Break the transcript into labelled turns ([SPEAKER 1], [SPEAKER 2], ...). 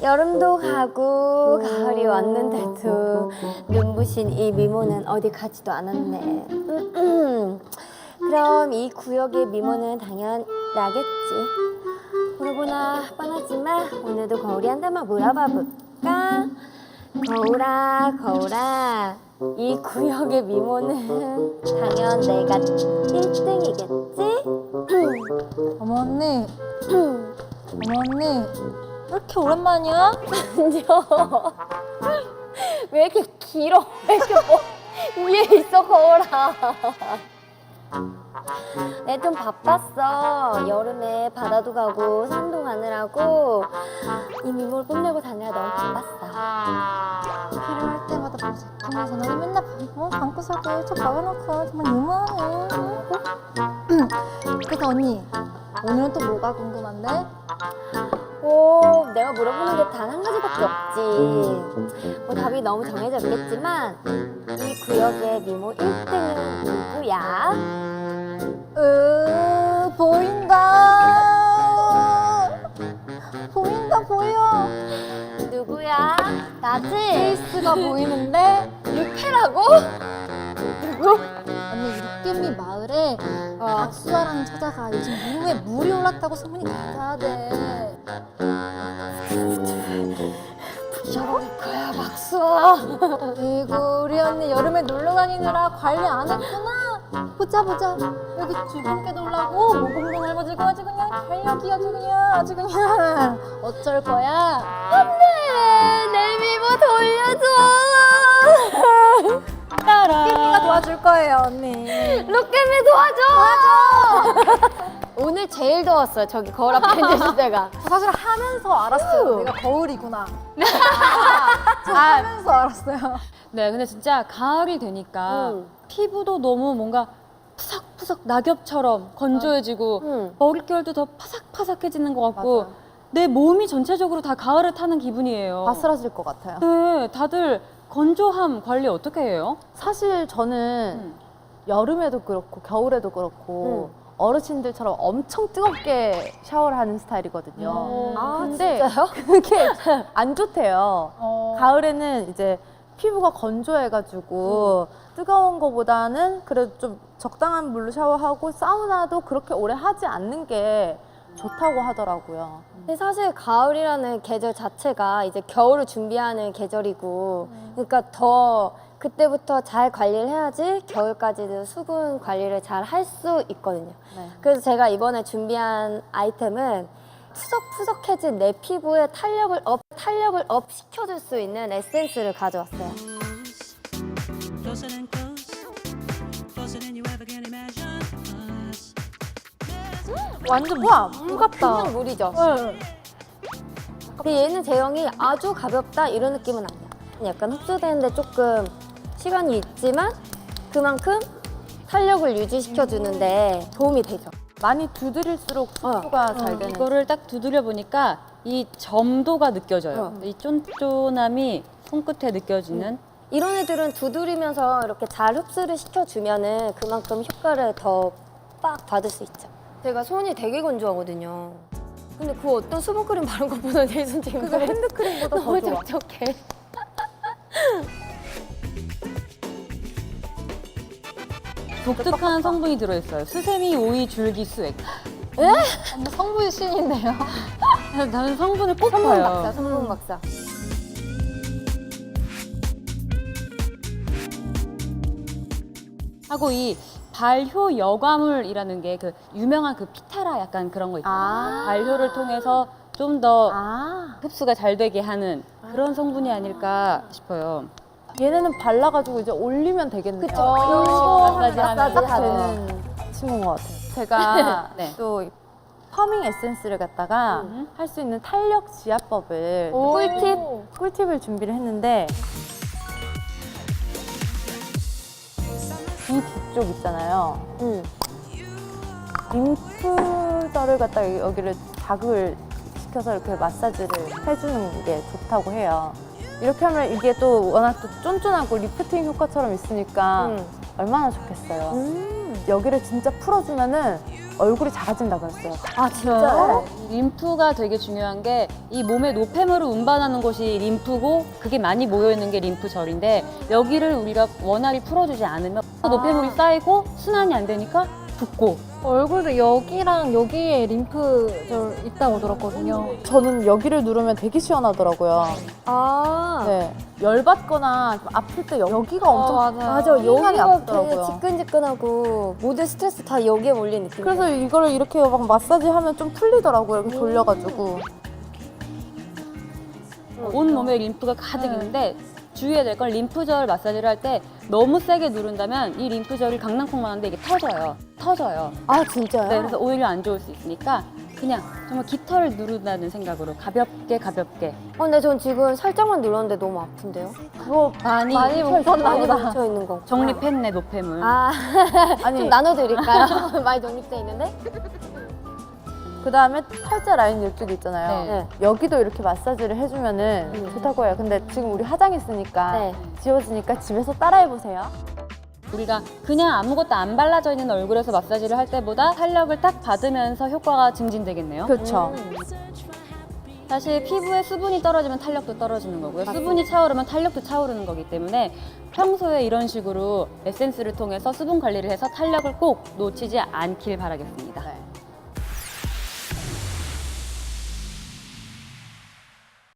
[SPEAKER 1] 여름도 가고 가을이 왔는데도 눈부신 이 미모는 어디 가지도 않았네. 그럼 이 구역의 미모는 당연 나겠지. 보나 뻔하지만 오늘도 거울이 한 대만 물어봐 볼까? 거울아 이 구역의 미모는 당연 내가 1등이겠지?
[SPEAKER 2] 어머 언니 어머 언니 왜 이렇게 오랜만이야?
[SPEAKER 1] 아니요. 왜 이렇게 길어? 왜 이렇게 위에 있어 거울아. 내 좀 바빴어. 여름에 바다도 가고 산도 가느라고 이 미모를 뽐내고 다니라 너무 바빴어.
[SPEAKER 2] 필요할 때마다 보색하면서 너는 맨날 방구석에 저 박아놓고 정말 너무하네. 그래서 언니 오늘은 또 뭐가 궁금한데?
[SPEAKER 1] 내가 물어보는 게 단 한 가지밖에 없지. 뭐 답이 너무 정해져 있겠지만 이 구역의 미모 1등은 누구야?
[SPEAKER 2] 보여.
[SPEAKER 1] 누구야? 나지?
[SPEAKER 2] 페이스가 보이는데
[SPEAKER 1] 루페라고? 누구?
[SPEAKER 2] 언니 육개미 마을에 박수아라는 처자가 요즘 미모에 물이 올랐다고 소문이 가다하대.
[SPEAKER 1] 부셔버릴 거야 박수아.
[SPEAKER 2] 아이고 우리 언니 여름에 놀러 다니느라 관리 안 했구나. 보자 여기 주근깨 놀라고 모공도 넓어지고 아주 그냥 달력이 아주 그냥 어쩔 거야?
[SPEAKER 1] 안돼 내 미모 돌려줘.
[SPEAKER 2] 깨미가 도와줄 거예요 언니.
[SPEAKER 1] 룩겜이 도와줘. 오늘 제일 더웠어요. 저기 거울 앞에 앉으실 때가.
[SPEAKER 2] 사실 하면서 알았어요. 내가 거울이구나. 하면서 알았어요.
[SPEAKER 3] 네, 근데 진짜 가을이 되니까 피부도 너무 뭔가 푸석푸석 낙엽처럼 건조해지고 머릿결도 더 파삭파삭해지는 것 같고
[SPEAKER 2] 맞아요.
[SPEAKER 3] 내 몸이 전체적으로 다 가을을 타는 기분이에요.
[SPEAKER 2] 바스라질 것 같아요.
[SPEAKER 3] 네, 다들 건조함 관리 어떻게 해요?
[SPEAKER 4] 사실 저는 여름에도 그렇고 겨울에도 그렇고 어르신들처럼 엄청 뜨겁게 샤워를 하는 스타일이거든요. 근데
[SPEAKER 1] 진짜요?
[SPEAKER 4] 그게 안 좋대요. 가을에는 이제 피부가 건조해가지고 뜨거운 거보다는 그래도 좀 적당한 물로 샤워하고 사우나도 그렇게 오래 하지 않는 게 좋다고 하더라고요.
[SPEAKER 1] 근데 사실 가을이라는 계절 자체가 이제 겨울을 준비하는 계절이고 그러니까 더 그때부터 잘 관리를 해야지 겨울까지도 수분 관리를 잘 할 수 있거든요.
[SPEAKER 4] 네.
[SPEAKER 1] 그래서 제가 이번에 준비한 아이템은 푸석푸석해진 내 피부에 탄력을 업 시켜줄 수 있는 에센스를 가져왔어요.
[SPEAKER 5] Closer than close, closer than you ever can imagine us.
[SPEAKER 2] 완전 물 같다.
[SPEAKER 1] 그냥 물이죠. 근데 얘는 제형이 아주 가볍다 이런 느낌은 아니야. 약간 흡수되는데 조금 시간이 있지만 그만큼 탄력을 유지시켜주는데 도움이 되죠.
[SPEAKER 4] 많이 두드릴수록 흡수가 잘 되는.
[SPEAKER 3] 이거를 딱 두드려 보니까 이 점도가 느껴져요. 이 쫀쫀함이 손끝에 느껴지는.
[SPEAKER 1] 이런 애들은 두드리면서 이렇게 잘 흡수를 시켜주면은 그만큼 효과를 더 빡 받을 수 있죠. 제가 손이 되게 건조하거든요. 근데 그 어떤 수분크림 바른 것보다 내 손 지금
[SPEAKER 4] 그거 핸드크림보다
[SPEAKER 1] 너무
[SPEAKER 4] 더 좋아.
[SPEAKER 1] 촉촉해.
[SPEAKER 3] 독특한 성분이 들어있어요. 수세미, 오이, 줄기, 수액.
[SPEAKER 2] 언니 성분이 신인데요.
[SPEAKER 3] 나는 성분을 꼭
[SPEAKER 1] 성분 박사,
[SPEAKER 3] 봐요.
[SPEAKER 1] 성분 박사.
[SPEAKER 3] 하고 이 발효 여과물이라는 게 그 유명한 그 피타라 약간 그런 거 있잖아요. 발효를 통해서 좀 더 흡수가 잘 되게 하는 그런 성분이 아닐까 싶어요.
[SPEAKER 4] 얘네는 발라가지고 이제 올리면 되겠네요.
[SPEAKER 1] 그쵸.
[SPEAKER 3] 마사지 하면서.
[SPEAKER 4] 딱 되는 친구인 것 같아요. 제가
[SPEAKER 3] 네.
[SPEAKER 4] 또 펌밍 에센스를 갖다가 할 수 있는 탄력 지압법을 꿀팁을 준비를 했는데 이 뒤쪽 있잖아요. 림프절을 갖다가 여기를 자극을 시켜서 이렇게 마사지를 해주는 게 좋다고 해요. 이렇게 하면 이게 또 워낙 또 쫀쫀하고 리프팅 효과처럼 있으니까 얼마나 좋겠어요. 여기를 진짜 풀어주면은 얼굴이 작아진다 그랬어요.
[SPEAKER 1] 아 진짜요?
[SPEAKER 3] 림프가 되게 중요한 게 이 몸의 노폐물을 운반하는 곳이 림프고 그게 많이 모여 있는 게 림프절인데 여기를 우리가 원활히 풀어주지 않으면 노폐물이 쌓이고 순환이 안 되니까 붓고
[SPEAKER 2] 얼굴도 여기랑 여기에 림프절 있다고 들었거든요.
[SPEAKER 4] 저는 여기를 누르면 되게 시원하더라고요.
[SPEAKER 1] 아
[SPEAKER 4] 네. 열받거나 좀 아플 때 여기가 엄청
[SPEAKER 1] 맞아
[SPEAKER 4] 시간이
[SPEAKER 1] 여기가 되게
[SPEAKER 4] 아프더라고요.
[SPEAKER 1] 지끈지끈하고 모든 스트레스 다 여기에 몰린 느낌.
[SPEAKER 4] 그래서 이거를 이렇게 막 마사지 하면 좀 풀리더라고요. 이렇게 돌려가지고.
[SPEAKER 3] 온 몸에 림프가 가득 있는데 주의해야 될 건 림프절 마사지를 할 때 너무 세게 누른다면 이 림프절이 강낭콩만 한데 이게 터져요.
[SPEAKER 1] 아 진짜요?
[SPEAKER 3] 네, 그래서 오히려 안 좋을 수 있으니까 그냥 정말 깃털을 누른다는 생각으로 가볍게
[SPEAKER 1] 근데 전 지금 살짝만 눌렀는데 너무 아픈데요?
[SPEAKER 4] 그거
[SPEAKER 3] 많이
[SPEAKER 1] 많이
[SPEAKER 2] 뭉쳤나 보다.
[SPEAKER 1] 뭉쳐 있는 거.
[SPEAKER 3] 정립했네 노폐물.
[SPEAKER 1] 아
[SPEAKER 4] 아니
[SPEAKER 1] 좀 나눠드릴까요? 많이 정립돼 있는데?
[SPEAKER 4] 그 다음에 팔자 라인 이쪽에 있잖아요.
[SPEAKER 3] 네.
[SPEAKER 4] 여기도 이렇게 마사지를 해주면은 좋다고 해요. 근데 지금 우리 화장했으니까
[SPEAKER 1] 네.
[SPEAKER 4] 지워지니까 집에서 따라해보세요.
[SPEAKER 3] 우리가 그냥 아무것도 안 발라져 있는 얼굴에서 마사지를 할 때보다 탄력을 딱 받으면서 효과가 증진되겠네요.
[SPEAKER 4] 그렇죠.
[SPEAKER 3] 사실 피부에 수분이 떨어지면 탄력도 떨어지는 거고요. 수분이 차오르면 탄력도 차오르는 거기 때문에 평소에 이런 식으로 에센스를 통해서 수분 관리를 해서 탄력을 꼭 놓치지 않길 바라겠습니다.
[SPEAKER 4] 네.